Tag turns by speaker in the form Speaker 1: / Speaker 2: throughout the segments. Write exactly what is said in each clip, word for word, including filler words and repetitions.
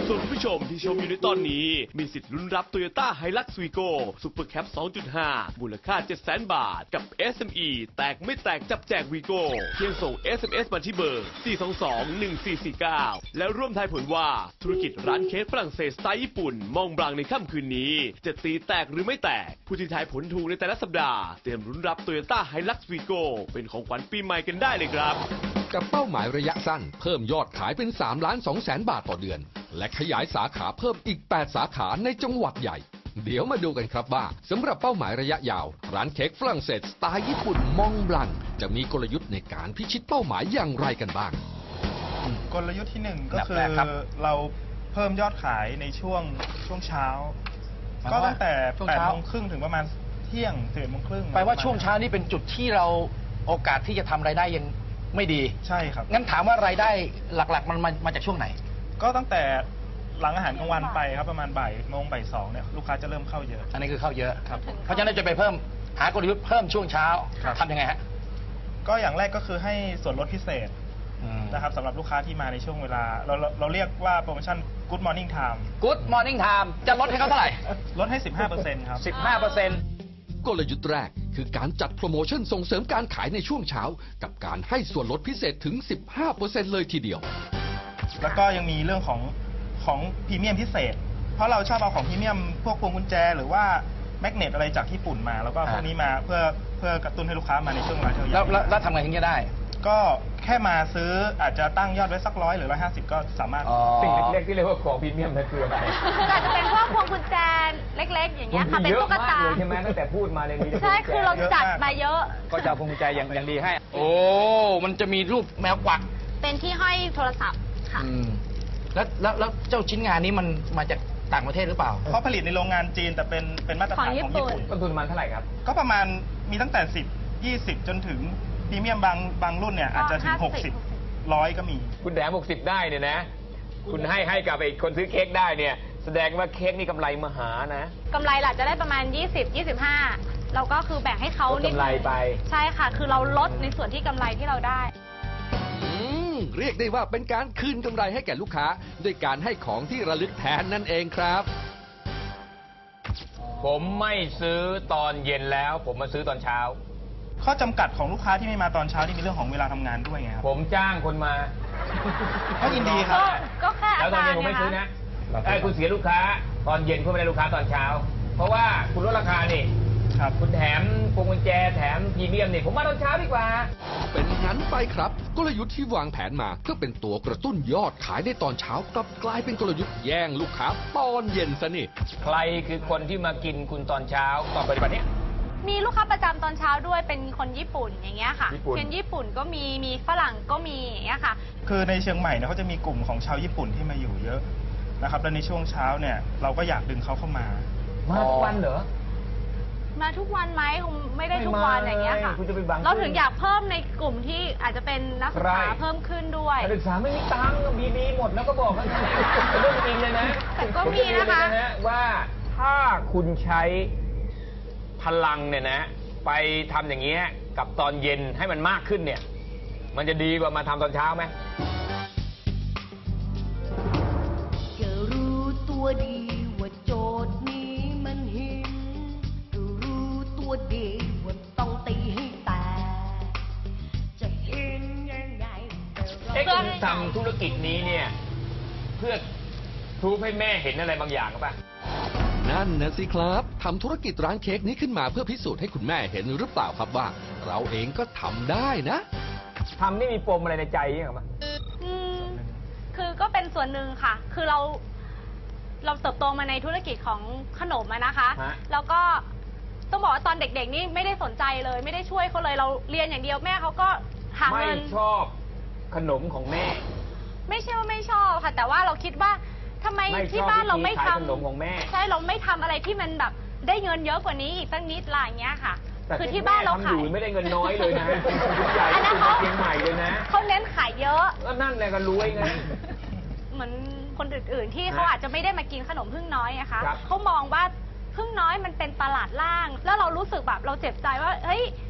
Speaker 1: ส่วนผู้ชมที่ชมอยู่ในตอนนี้มีสิทธิ์ลุ้นรับ Toyota Hilux Vigo Super Cab สองจุดห้า มูลค่า เจ็ดแสน บาทกับ เอส เอ็ม อี แตกไม่แตกจับแจก Vigo เพียงส่ง เอส เอ็ม เอส มาที่เบอร์ สี่ สอง สอง หนึ่ง สี่ สี่ เก้า แล้วร่วมทายผลว่าธุรกิจร้านเค้กฝรั่งเศสสไตล์ญี่ปุ่นมองบลังในค่ำคืนนี้จะตีแตกหรือไม่แตกผู้ที่ทายผลถูกในแต่ละสัปดาห์เตรียมลุ้นรับ Toyota Hilux Vigo เป็นของขวัญปีใหม่กันได้เลยครับ
Speaker 2: กับเป้าหมายระยะสั้นเพิ่มยอดขายเป็นสามล้านสองแสนบาทต่อเดือนและขยายสาขาเพิ่มอีกแปดสาขาในจังหวัดใหญ่เดี๋ยวมาดูกันครับว่าสำหรับเป้าหมายระยะยาวร้านเค้กฝรั่งเศสสไตล์ญี่ปุ่นมองบลังจะมีกลยุทธ์ในการพิชิตเป้าหมายอย่างไรกันบ้าง
Speaker 3: กลยุทธ์ที่หนึ่งก็คือเราเพิ่มยอดขายในช่วงช่วงเช้าก็ตั้งแต่แปดโมงครึ่งถึงประมาณเที่ยงสิบเอ็ดโมงครึ่ง
Speaker 4: แปลว่าช่วงเช้านี่เป็นจุดที่เราโอกาสที่จะทำรายได้ยังไม่ดี
Speaker 3: ใช่ครับ
Speaker 4: งั้นถามว่ารายได้หลักๆมันมามาจากช่วงไหน
Speaker 3: ก็ตั้งแต่หลังอาหารกลางวันไปครับประมาณบ่ายโมงบ่ายสองเนี่ยลูกค้าจะเริ่มเข้าเยอะ
Speaker 4: อันนี้คือเข้าเยอะครับเพราะฉะนั้นจะไปเพิ่มหากลยุทธ์เพิ่มช่วงเช้าทำยังไงฮะ
Speaker 3: ก็อย่างแรกก็คือให้ส่วนลดพิเศษนะครับสำหรับลูกค้าที่มาในช่วงเวลาเราเราเรียกว่าโปรโมชั่น Good Morning Time
Speaker 4: Good Morning Time จะลดให้เขาเท่าไหร่
Speaker 3: ลดให้ สิบห้าเปอร์เซ็นต์ ครับ
Speaker 4: สิบห้าเปอร์เซ็นต์
Speaker 2: กลยุทธ์แรกคือการจัดโปรโมชั่นส่งเสริมการขายในช่วงเช้ากับการให้ส่วนลดพิเศษถึง สิบห้าเปอร์เซ็นต์ เลยทีเดียว
Speaker 3: แล้วก็ยังมีเรื่องของของพรีเมียมพิเศษเพราะเราชอบเอาของพรีเมียมพวกพวงกุญแจหรือว่าแมกเนตอะไรจากญี่ปุ่นมาแล้วก็พวกนี้มาเพื่อเพื่อกระตุ้นให้ลูกค้ามาในช่วงเวลาเที่ยง
Speaker 4: แล้วแล้วทำไงถึงจะได้
Speaker 3: ก็แค่มาซื้ออาจจะตั้งยอดไว้สักร้อยหรือร้อยห้าสิบก็สามารถ
Speaker 5: สิ่งเล็กๆที่เรียกว่าของพรีเมียมนั่นคืออะไร
Speaker 6: คืออาจจะเป็นพวกพวงกุญแจเล็กๆอย่างเงี้ยค่ะเป็นตุ๊กตา
Speaker 5: ใช่ไหมตั้งแต่พูดมาในนี้
Speaker 6: ใช่คือเราจัดมาเยอะ
Speaker 5: ก็จะพวงกุญแจอย่างอย่างดีให้
Speaker 4: โอ้มันจะมีรูปแมวกวัก
Speaker 6: เป็นที่ห้อยโทรศัพท์ค่ะ
Speaker 4: แล้วแล้วแล้วเจ้าชิ้นงานนี้มันมาจากต่างประเทศหรือเปล่า
Speaker 3: เพราะผลิตในโรงงานจีนแต่เป็นเป็นมาตรฐานของญี่ปุ่น
Speaker 5: ต้นทุนมันเท่าไหร่ครับ
Speaker 3: ก็ประมาณมีตั้งแต่สิบ ยี่สิบจนถึงพรีเมียมบางบางรุ่นเนี่ยอาจจะถึงหกสิบ ร้อยก็มี
Speaker 5: คุณแถมหกสิบได้เนี่ยนะคุณให้ให้กับไอ้คนซื้อเค้กได้เนี่ยแสดงว่าเค้กนี่กำไรมหานะ
Speaker 6: กำไรหลักจะได้ประมาณยี่สิบ ยี่สิบห้าเราก็คือแบ่งให้เขา
Speaker 5: นิดกำไรไป
Speaker 6: ใช่ค่ะคือเราลดในส่วนที่กำไรที่เราได้
Speaker 2: เรียกได้ว่าเป็นการคืนกำไรให้แก่ลูกค้าด้วยการให้ของที่ระลึกแทนนั่นเองครับ
Speaker 5: ผมไม่ซื้อตอนเย็นแล้วผมมาซื้อตอนเช้า
Speaker 3: ข้อจำกัดของลูกค้าที่ไม่มาตอนเช้าที่มีเรื่องของเวลาทำงานด้วยไงครับ
Speaker 5: ผมจ้างคนมา
Speaker 3: ก็ยินดีครับ
Speaker 6: ก็แค่
Speaker 5: แล้วตอนเย็นผมไม่ซื้อนะไอ้คุณเสียลูกค้าตอนเย็นคุณไม่ได้ลูกค้าตอนเช้าเพราะว่าคุณลดราคานี่
Speaker 3: ครับ
Speaker 5: คุณแถมพวงกุญแจแถมพรีเมียมนี่ผมมาตอนเช้าดีกว่า
Speaker 2: เป็นงั้นไปครับกลยุทธ์ที่วางแผนมาเพื่อเป็นตัวกระตุ้นยอดขายในตอนเช้ากลับกลายเป็นกลยุทธ์แย่งลูกค้าตอนเย็นซะนี่
Speaker 5: ใครคือคนที่มากินคุณตอนเช้าตอนปฏิบัติเนี้ย
Speaker 6: มีลูกค้าประจำตอนเช้าด้วยเป็นคนญี่ปุ่นอย่างเงี้ยค่ะคนญี่ปุ่นก็มีมีฝรั่งก็มีอย่างเงี้ยค่ะ
Speaker 3: คือในเชียงใหม่เนี่ยเขาจะมีกลุ่มของชาวญี่ปุ่นที่มาอยู่เยอะนะครับและในช่วงเช้าเนี่ยเราก็อยากดึงเขาเข้ามา
Speaker 5: มาทุกวันเหรอ
Speaker 6: มาทุกวันไหมคงไม่ได้ทุกวันอย่างเงี้ยค่ะเราถึงอยากเพิ่มในกลุ่มที่อาจจะเป็นนักศึกษาเพิ่มขึ้นด้วย
Speaker 5: นักศึกษาไม่มีตังค์บีบีหมดแล้วก็บอกกันเรื่องจริงเลยนะ
Speaker 6: แต่ก็มีนะคะ
Speaker 5: ว่าถ้าคุณใช้พลังเนี่ยนะไปทำอย่างเงี้ยกับตอนเย็นให้มันมากขึ้นเนี่ยมันจะดีกว่ามาทำตอนเช้าไหม
Speaker 7: จะรู้ตัวดีว่าโจทย์นี้มันหินรู้ตัวดีว่าต้องตีให้แตกจะเห็นยังไง
Speaker 5: เอ๊ะคุณทำธุรกิจนี้เนี่ยเพื่อพรูฟให้แม่เห็นอะไรบางอย่างหรือเปล่า
Speaker 2: นั่นนะสิครับทำธุรกิจร้านเค้กนี้ขึ้นมาเพื่อพิสูจน์ให้คุณแม่เห็นหรือเปล่าครับว่าเราเองก็ทำได้นะ
Speaker 5: ทำนี่มีปมอะไรในใจยังไงมั้ย
Speaker 6: คือก็เป็นส่วนหนึ่งค่ะคือเราเราเติบโตมาในธุรกิจของขนมนะคะแล้วก็ต้องบอกว่าตอนเด็กๆนี่ไม่ได้สนใจเลยไม่ได้ช่วยเขาเลยเราเรียนอย่างเดียวแม่เขาก็หาเงิน
Speaker 5: ไม่ชอบขนมของแม่
Speaker 6: ไม่ใช่ว่าไม่ชอบค่ะแต่ว่าเราคิดว่าทำไมที่บ้านเราไม่ทำ
Speaker 5: ขนมของแม่
Speaker 6: ใช่เราไม่ทำอะไรที่มันแบบได้เงินเยอะกว่านี้อีกตั้งนิดอะไรอย่างเงี้ยค่ะคือที่บ้านเราขาย
Speaker 5: ไม่ได้เงินน้อยเลยนะใหญ่ที่สุดในเชียงใหม่เลยนะ
Speaker 6: เขาเน้นขายเยอะ
Speaker 5: ก็นั่นแหละก็รวยไง
Speaker 6: เหมือนคนอื่นๆที่เขาอาจจะไม่ได้มากินขนมพึ่งน้อยนะคะเขามองว่าพึ่งน้อยมันเป็นตลาดล่างแล้วเรารู้สึกแบบเราเจ็บใจว่าเฮ้ย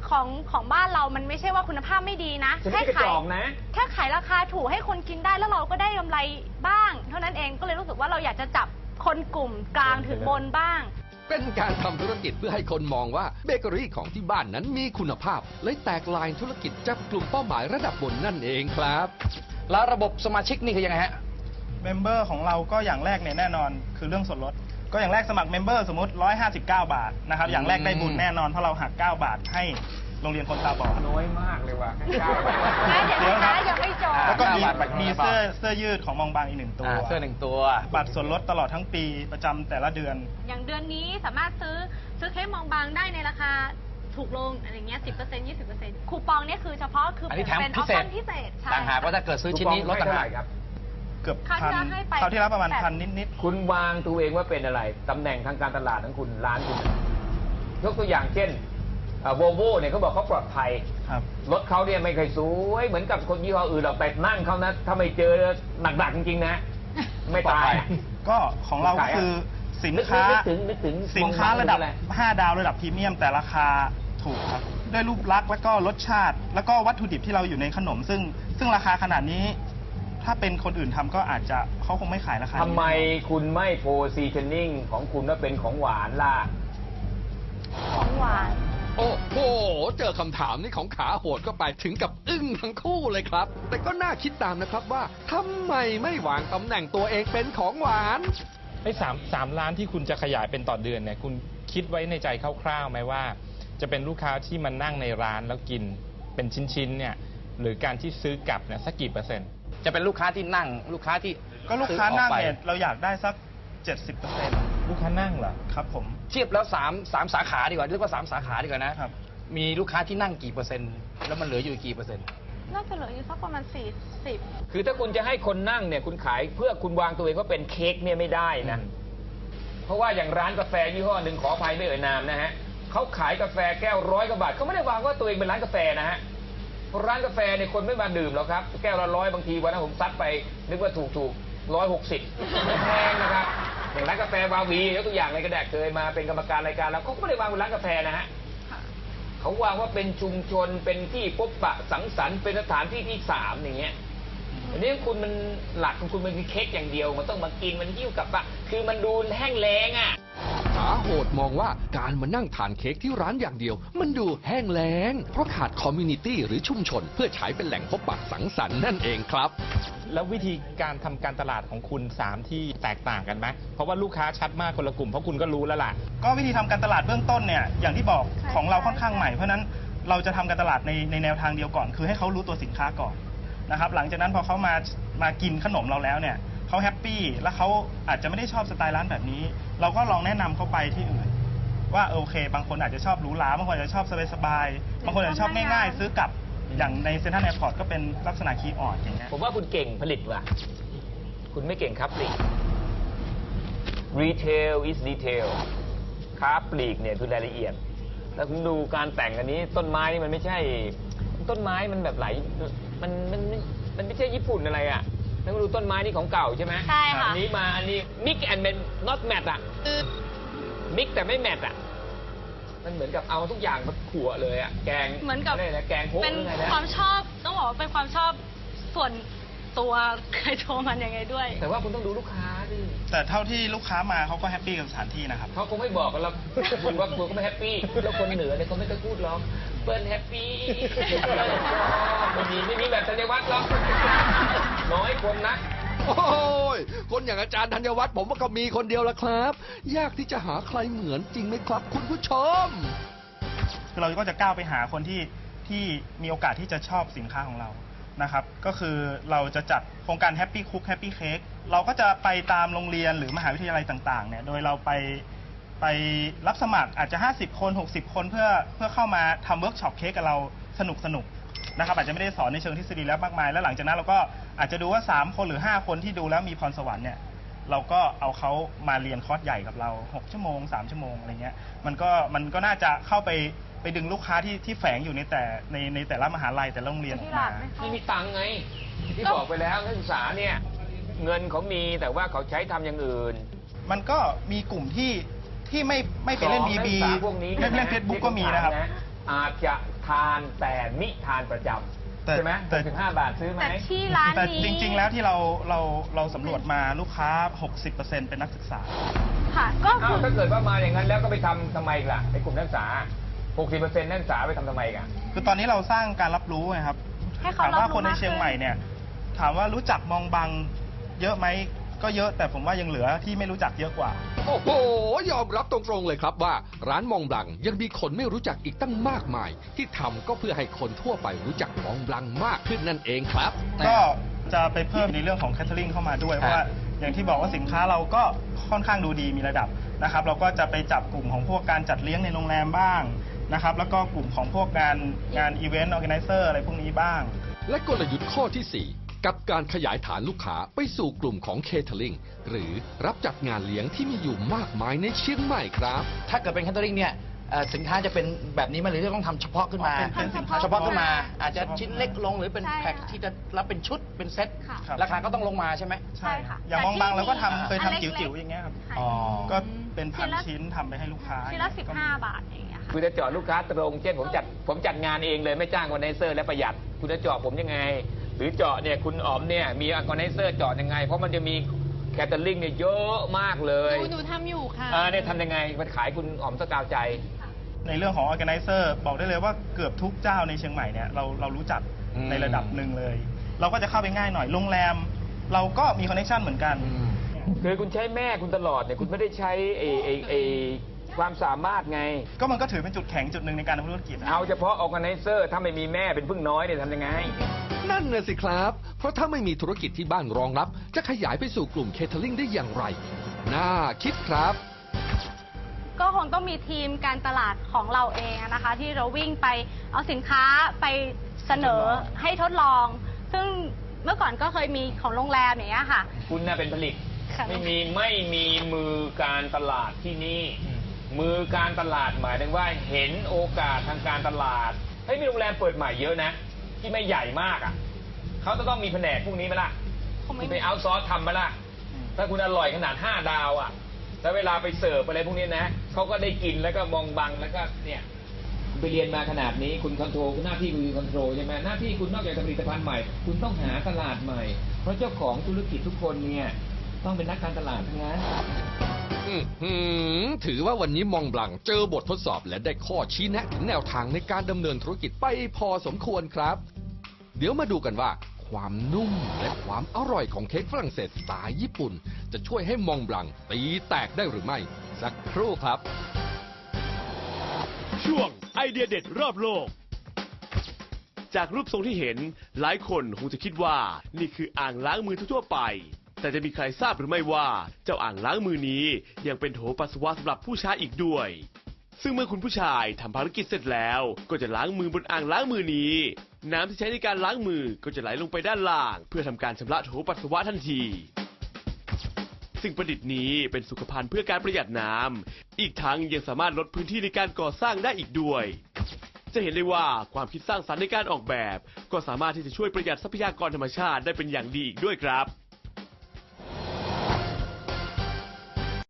Speaker 6: ของของบ้านเรามันไม่ใช่ว่าคุณภาพไม่ดีนะ
Speaker 5: ฉันไม่กระจอกนะ
Speaker 6: แค่ขายราคาถูกให้คนกินได้แล้วเราก็ได้กำไรบ้าง เท่านั้นเองก็เลยรู้สึกว่าเราอยากจะจับคนกลุ่มกลางถึงบนบ้าง
Speaker 2: เป็นการทำธุรกิจเพื่อให้คนมองว่าเบเกอรี่ของที่บ้านนั้นมีคุณภาพเลยแตกลายธุรกิจจับกลุ่มเป้าหมายระดับบนนั่นเองครับ
Speaker 4: แล้วระบบสมาชิกนี่คือยังไงฮะ
Speaker 3: เมมเบอร์ของเราก็อย่างแรกเนี่ยแน่นอนคือเรื่องส่วนลดก็อย่างแรกสมัครเมมเบอร์สมมติหนึ่งร้อยห้าสิบเก้าบาทนะครับอย่างแรกได้บุญแน่นอนเพราะเราหักเก้าบาทให้โรงเรียนคนตาบอด
Speaker 5: น้อยมากเลยว่ะแค่เก้า
Speaker 6: นะเดี๋ยวนะยังไม่จบ
Speaker 3: แล้วก็มี
Speaker 4: เก้าบาท
Speaker 3: มีเสื้อเสื้อยืดของมองบางอีกหนึ่งตัว
Speaker 4: อ่าเสื้อหนึ่งตัว
Speaker 3: บัตรส่วนลดตลอดทั้งปีประจำแต่ละเดือน
Speaker 6: อย่างเดือนนี้สามารถซื้อซื้อเค้กมองบางได้ในราคาถูกลงอะไรเงี้ยสิบเปอร์เซ็นต์ยี่สิบเปอร์เซ็นต์คูปองเนี่ยคือเฉพาะคือ
Speaker 4: อัน
Speaker 6: เป็
Speaker 4: นี้
Speaker 6: น
Speaker 4: แถม
Speaker 6: เป็นอ
Speaker 4: พิ
Speaker 6: อป
Speaker 4: เศษ
Speaker 6: ชั่นพิเศษใช่
Speaker 4: ต่างหากว่าถ้าเกิดซื้อชิ้นนี้ลดต่างหาก
Speaker 5: ครับ
Speaker 3: เกือบ
Speaker 6: คราว
Speaker 3: พัน
Speaker 6: ที่แล้วให้ไป
Speaker 3: คราวที่แล้วประมาณ
Speaker 6: แปด
Speaker 3: พันนิด
Speaker 5: คุณวางตัวเองว่าเป็นอะไรตำแหน่งทางการตลาดของคุณร้านคุณยกตัวอย่างเช่นโวลโว่เนี่ยเขาบอกเขาปลอดภัย
Speaker 3: ๆครับ
Speaker 5: รถเขาเนี่ยไม่เคยสวยเหมือนกับคนยี่ห้ออื่นหรอกแต่นั่งเขานะถ้าไม่เจอหนักๆจริงๆนะ ไม่ตาย
Speaker 3: ก็ของเราก็คือสิน
Speaker 5: นึก
Speaker 3: ค้า
Speaker 5: นึกถึงนึกถึง
Speaker 3: สินค้าระดับ
Speaker 5: มองบาง
Speaker 3: ห้า ดาวระดับพรีเมียมแต่ราคาถูกครับ ด้วยรูปลักษณ์แล้วก็รสชาติ แล้วก็วัตถุดิบที่เราอยู่ในขนม ซึ่งซึ่งราคาขนาดนี้ ถ้าเป็นคนอื่นทำก็อาจจะเขาคงไม่ขายราคานี้
Speaker 5: ทำไมคุณไม่โพซีชันนิ่งของคุณว่าเป็นของหวานล่ะ
Speaker 6: ของหวาน
Speaker 2: โอ้โห เจอคำถามนี้ของขาโหดก็ไปถึงกับอึ้งทั้งคู่เลยครับ แต่ก็น่าคิดตามนะครับว่าทำไมไม่วางตำแหน่งตัวเองเป็นของหวาน
Speaker 8: ไอ้สามสามล้านที่คุณจะขยายเป็นต่อเดือนเนี่ยคุณคิดไว้ในใจคร่าวๆไหมว่า จะเป็นลูกค้าที่มานั่งในร้านแล้วกินเป็นชิ้นๆเนี่ยหรือการที่ซื้อกลับเนี่ยสักกี่เปอร์เซ็นต์
Speaker 4: จะเป็นลูกค้าที่นั่งลูกค้าที่
Speaker 3: ก็ลูกค้านั่ง
Speaker 4: ซื้อออกไป
Speaker 3: เนี่ยเราอยากได้สัก เจ็ดสิบเปอร์เซ็นต์
Speaker 8: ลูกค้านั่งเหรอ
Speaker 3: ครับผม
Speaker 4: เทียบแล้วสามสามสาขาดีกว่าเรียกว่าสามสาขาดีกว่านะครับ มีลูกค้าที่นั่งกี่เปอร์เซ็นต์แล้วมันเหลืออยู่กี่เปอร์เซ็นต์
Speaker 6: น่าจะเหลืออยู่สักประมาณสี่สิบ
Speaker 5: คือถ้าคุณจะให้คนนั่งเนี่ยคุณขายเพื่อคุณวางตัวเองว่าเป็นเค้กเนี่ยไม่ได้นะ เพราะว่าอย่างร้านกาแฟยี่ห้อหนึ่งขออภัยไม่เอ่ยนามนะฮะเขาขายกาแฟแก้วร้อยกว่าบาทเขาไม่ได้วางว่าตัวเองเป็นร้านกาแฟนะฮะเพราะร้านกาแฟเนี่ยคนไม่มาดื่มหรอกครับแก้วละร้อยบางทีวันนั้นผมซัดไปนึกว่าถูกถูกร้อยหกสิบแพงนะครับอย่างร้านกาแฟวาวียกตัวอย่างเลยก็ได้เคยมาเป็นกรรมการรายการแล้วเขาก็ไม่ได้วางเป็นร้านกาแฟนะฮะเขาวางว่าเป็นชุมชนเป็นที่พบปะสังสรรค์เป็นสถานที่ที่สามอย่างเงี้ยอันนี้คุณมันหลักของคุณมันคือเค้กอย่างเดียวมันต้องมากินมันหิ้วกลับปะคือมันดูแห้งแล้งอ่ะ
Speaker 2: ขาโหดมองว่าการมานั่งทานเค้กที่ร้านอย่างเดียว มันดูแห้งแล้ง เพราะขาดคอมมูนิตี้หรือชุมชน เพื่อใช้เป็นแหล่งพบปะสังสรรค์นั่นเองครับ
Speaker 8: แล้ววิธีการทำการตลาดของคุณสามที่แตกต่างกันไหมเพราะว่าลูกค้าชัดมากคนละกลุ่มเพราะคุณก็รู้แล้วล่ะ
Speaker 3: ก็วิธีทำการตลาดเบื้องต้นเนี่ยอย่างที่บอก
Speaker 6: ใช่
Speaker 3: ของเรา
Speaker 6: ใช่
Speaker 3: ค่อนข้างใหม่เพราะฉะนั้นเราจะทำการตลาดในในแนวทางเดียวก่อน คือให้เขารู้ตัวสินค้าก่อนนะครับหลังจากนั้นพอเขามามากินขนมเราแล้วเนี่ยเขาแฮปปี้แล้วเขาอาจจะไม่ได้ชอบสไตล์ร้านแบบนี้ เราก็ลองแนะนำเขาไปที่อื่น ว่าโอเค บางคนอาจจะชอบหรูหราบางคนอาจจะชอบสบายๆบางคนอาจจะชอบง่ายๆ ซื้อกลับอย่างในเซ็นทรัลแอร์พอร์ตก็เป็นลักษณะคีย์ออดอย่างเงี้ย
Speaker 5: ผมว่าคุณเก่งผลิตว่ะ คุณไม่เก่งครับปลีก Retail is detail ค้าปลีกเนี่ยคือรายละเอียด แล้วคุณดูการแต่งอันนี้ต้นไม้นี่มันไม่ใช่ ต้นไม้มันแบบไหลมันมันมันไม่ใช่ญี่ปุ่นอะไรอ่ะ แล้วคุณดูต้นไม้นี่ของเก่าใช่ไหม
Speaker 6: ใช่ค่ะ
Speaker 5: อันนี้มาอันนี้ mix and not match อ่ะ mix แต่ไม่แมทอ่ะ มันเหมือนกับเอาทุกอย่างมาขั่วเลยอ่ะ แกง
Speaker 6: เหมือนกับ
Speaker 5: ะไรนะแกงโคก
Speaker 6: เป็น
Speaker 5: หรือไงนะ
Speaker 6: ความชอบต้องบอกว่าเป็นความชอบส่วนตัวใครโทรมันยังไงด้วย
Speaker 5: แต่ว่าคุณต้องดูลูกค้าดิ
Speaker 3: แต่เท่าที่ลูกค้ามาเขาก็แฮปปี้กับสถานที่นะครับ
Speaker 5: เขาคงไม่บอกกันหรอกคุณว่าคุณก็ไม่แฮปปี้แล้วคนเหนือเนี่ยเขาไม่ต้องพูดหรอกเปิ้ลแฮปปี้ไม่มีไม่มีแบบธัญวัฒน์หรอกน้อยคนนะ
Speaker 2: โอ้ย คนอย่างอาจารย์ธัญวัฒน์ผมว่าก็มีคนเดียวละครับ ยากที่จะหาใครเหมือนจริงไหมครับ คุณผู้ชม
Speaker 3: คือเราก็จะก้าวไปหาคนที่ที่มีโอกาสที่จะชอบสินค้าของเรานะครับ ก็คือเราจะจัดโครงการ Happy Cook Happy Cake เราก็จะไปตามโรงเรียนหรือมหาวิทยาลัยต่างๆเนี่ยโดยเราไปไปรับสมัครอาจจะห้าสิบคนหกสิบคนเพื่อเพื่อเข้ามาทำเวิร์กช็อปเค้กกับเราสนุกสนุกนะครับอาจจะไม่ได้สอนในเชิงทฤษฎีแล้วมากมายแล้วหลังจากนั้นเราก็อาจจะดูว่าสามคนหรือห้าคนที่ดูแล้วมีพรสวรรค์เนี่ยเราก็เอาเขามาเรียนคอร์สใหญ่กับเราหกชั่วโมงสามชั่วโมงอะไรเงี้ยมันก็มันก็น่าจะเข้าไปไปดึงลูกค้าที่ที่แฝงอยู่ในแต่ในในแต่ละมหาลัยแต่ละโรงเรียนออกมา
Speaker 5: นี่มีตังค์ไง ที่บอกไปแล้วนักศึกษาเนี่ย เงินเขามีแต่ว่าเขาใช้ทำอย่างอื่น
Speaker 3: มันก็มีกลุ่มที่ที่ไม่ไม่ไปเล่นบีบี
Speaker 5: สองนักศึกษาพวกนี้
Speaker 3: ไม่เล่นเฟซบุ๊กก็มีนะครับ
Speaker 5: อาจจะททานแต่มิทานประจำ
Speaker 3: แต่
Speaker 5: ใช่ไหม
Speaker 3: แต่
Speaker 5: ถึงห้าบาทซื้อไหม
Speaker 6: แต่ที่ร้าน
Speaker 3: แต่
Speaker 6: นี้
Speaker 3: จริง ๆ แล้วที่เราเราเราสำรวจมาลูกค้า หกสิบเปอร์เซ็นต์ เป็นนักศึกษา
Speaker 6: ค่ะ ก็
Speaker 5: อ้า
Speaker 6: คื
Speaker 5: ว
Speaker 6: อ
Speaker 5: ถ้าเกิดว่ามาอย่างนั้นแล้วก็ไปทำทำไมล่ะไอ้กลุ่มนักศึกษา หกสิบเปอร์เซ็นต์ นักศึกษาไปทำทำไมกัน
Speaker 3: คือตอนนี้เราสร้างการรับรู้ไงครับ
Speaker 6: ให้เขา
Speaker 3: ถาม
Speaker 6: รับ
Speaker 3: ว่า
Speaker 6: รู้
Speaker 3: คนใน
Speaker 6: มาก
Speaker 3: เชียง
Speaker 6: ขึ้น
Speaker 3: ใหม่เนี่ย ถามว่ารู้จักมองบังเยอะไหมก็เยอะแต่ผมว่ายังเหลือที่ไม่รู้จักเยอะกว่า
Speaker 2: โอ้โห ยอมรับตรงๆเลยครับว่าร้านมองบลังยังมีคนไม่รู้จักอีกตั้งมากมาย ที่ทำก็เพื่อให้คนทั่วไปรู้จักมองบลังมากขึ้นนั่นเองครับ
Speaker 3: ก็จะไปเพิ่มในเรื่องของแคทเทอริงเข้ามาด้วย เพราะว่าอย่างที่บอกว่าสินค้าเราก็ค่อนข้างดูดีมีระดับนะครับ เราก็จะไปจับกลุ่มของพวกการจัดเลี้ยงในโรงแรมบ้างนะครับ แล้วก็กลุ่มของพวกงานงานอีเวนต์ออแกไนเซอร์อะไรพวกนี้บ้าง
Speaker 2: และกลยุทธ์ข้อที่ สี่ กับการขยายฐานลูกค้าไปสู่กลุ่มของเคเทอริงหรือรับจัดงานเลี้ยงที่มีอยู่มากมายในเชียงใหม่ครับ
Speaker 4: ถ้าเกิดเป็นแคทเทอริงเนี่ยเอ่อสินค้าจะเป็นแบบนี้ไหมหรือจะต้องทำเฉพาะขึ้นมา
Speaker 3: เป็นเป็นสินค้า
Speaker 4: เฉพาะขึ้นมา
Speaker 6: เฉพาะขึ้นมา
Speaker 4: อาจจะชิ้นเล็กลงหรือเป็น
Speaker 6: ใช่
Speaker 4: แพ็ค
Speaker 6: ค่ะ
Speaker 4: ที่จะรับเป็นชุดเป็นเซ็ต
Speaker 6: ค่ะ
Speaker 3: ครับ
Speaker 4: ราคาก็ต้องลงมาใช่ไหม
Speaker 6: ใช่ค่ะ
Speaker 3: อย่างมองบังเราก็ทำเคย
Speaker 6: อันเล็กๆ
Speaker 3: ทำจิ๋วๆอย่างเงี้ยครับ
Speaker 6: ค่ะ
Speaker 4: อ๋อ
Speaker 3: ก็เป็นพัน
Speaker 6: ชิ้นละ
Speaker 3: ชิ้นทำไปให้ลูกค้า
Speaker 6: ชิ้นละสิบห้าบาทอย่างเงี้ยค่ะ
Speaker 5: คุณจะเจาะลูกค้าตรง เช่นผมจัดผมจัดงานเองเลยไม่จ้างออร์แกไนเซอร์และประหยัด คุณจะเจาะผมยังไง หรือเจาะเนี่ยคุณอ๋อมเนี่ยมีออร์แกไนเซอร์เจาะยังไง เพราะมันจะมีแคทเทอริงเนี่ยเยอะมากเล
Speaker 9: ห
Speaker 5: ย
Speaker 9: นูหนูทำอยู่ค่ะ
Speaker 5: อ่าเนี่ยทำยังไงมันขายคุณอ๋อมสกาวใจ
Speaker 3: ในเรื่องของ organizer บอกได้เลยว่าเกือบทุกเจ้าในเชียงใหม่เนี่ยเราเรารู้จัก
Speaker 4: อืม
Speaker 3: ในระดับหนึ่งเลย เราก็จะเข้าไปง่ายหน่อยโรงแรม เราก็มีคอนเนคชันเหมือนกัน
Speaker 5: คือคุณใช้แม่คุณตลอดเนี่ยคุณไม่ได้ใช้ไอ้ไอ้ไอ้ความสามารถไง
Speaker 3: ก็มันก็ถือเป็นจุดแข็งจุดหนึ่งในการทำธุรกิจนะ
Speaker 5: เอาเฉพาะออร์แกไนเซอร์ถ้าไม่มีแม่เป็นพึ่งน้อยเนี่ยทำยังไง
Speaker 2: นั่นน่ะสิครับ เพราะถ้าไม่มีธุรกิจที่บ้านรองรับ จะขยายไปสู่กลุ่มเคเทอริงได้อย่างไร น่าคิดครับ
Speaker 6: ก็คงต้องมีทีมการตลาดของเราเองอะนะคะ ที่เราวิ่งไปเอาสินค้าไปเสนอให้ทดลอง ซึ่งเมื่อก่อนก็เคยมีของโรงแรมอย่างเงี้ยค่ะ
Speaker 5: คุณน่ะเป็นผลิต
Speaker 6: ค่ะ
Speaker 5: ไม่มีไม่มีมือการตลาดที่นี่ มือการตลาดหมายถึงว่าเห็นโอกาสทางการตลาดเฮ้ยมีโรงแรมเปิดใหม่เยอะนะ ที่ไม่ใหญ่มากอ่ะเขาจะต้องมีแผนกพวกนี้ไหมล่ะ
Speaker 6: คงไม่
Speaker 5: คุณ
Speaker 6: มี
Speaker 5: ไปเอาซอร์สทำไหมล่ะ ถ้าคุณอร่อยขนาดห้าดาวอ่ะแล้วเวลาไปเสิร์ฟอะไรพวกนี้นะเขาก็ได้กินแล้วก็มองบังแล้วก็เนี่ยคุณไปเรียนมาขนาดนี้คุณคอนโทรลหน้าที่คุณคือคอนโทรลใช่ไหมหน้าที่คุณนอกจากจะผลิตภัณฑ์ใหม่ คุณต้องหาตลาดใหม่ เพราะเจ้าของธุรกิจทุกคนเนี่ยต้องเป็นนักการตลาดทั้งนั้น
Speaker 2: อื้อหือถือว่าวันนี้มองบลังเจอบททดสอบและได้ข้อชี้แนะถึงแนวทางในการดำเนินธุรกิจไปพอสมควรครับ เดี๋ยวมาดูกันว่า ความนุ่มและความอร่อยของเค้กฝรั่งเศสสไตล์ญี่ปุ่น จะช่วยให้มองบลังตีแตกได้หรือไม่ สักครู่ครับ
Speaker 1: ช่วงไอเดียเด็ดรอบโลก จากรูปทรงที่เห็นหลายคนคงจะคิดว่านี่คืออ่างล้างมือทั่วๆไป แต่จะมีใครทราบหรือไม่ว่าเจ้าอ่างล้างมือนี้ยังเป็นโถปัสสาวะสำหรับผู้ชายอีกด้วย ซึ่งเมื่อคุณผู้ชายทำภารกิจเสร็จแล้วก็จะล้างมือบนอ่างล้างมือนี้ น้ำที่ใช้ในการล้างมือก็จะไหลลงไปด้านล่าง เพื่อทำการชำระโถปัสสาวะทันทีสิ่งประดิษฐ์นี้เป็นสุขภัณฑ์เพื่อการประหยัดน้ำอีกทั้งยังสามารถลดพื้นที่ในการก่อสร้างได้อีกด้วย จะเห็นได้ว่าความคิดสร้างสรรค์ในการออกแบบ ก็สามารถที่จะช่วยประหยัดทรัพยากรธรรมชาติได้เป็นอย่างดีอีกด้วยครับ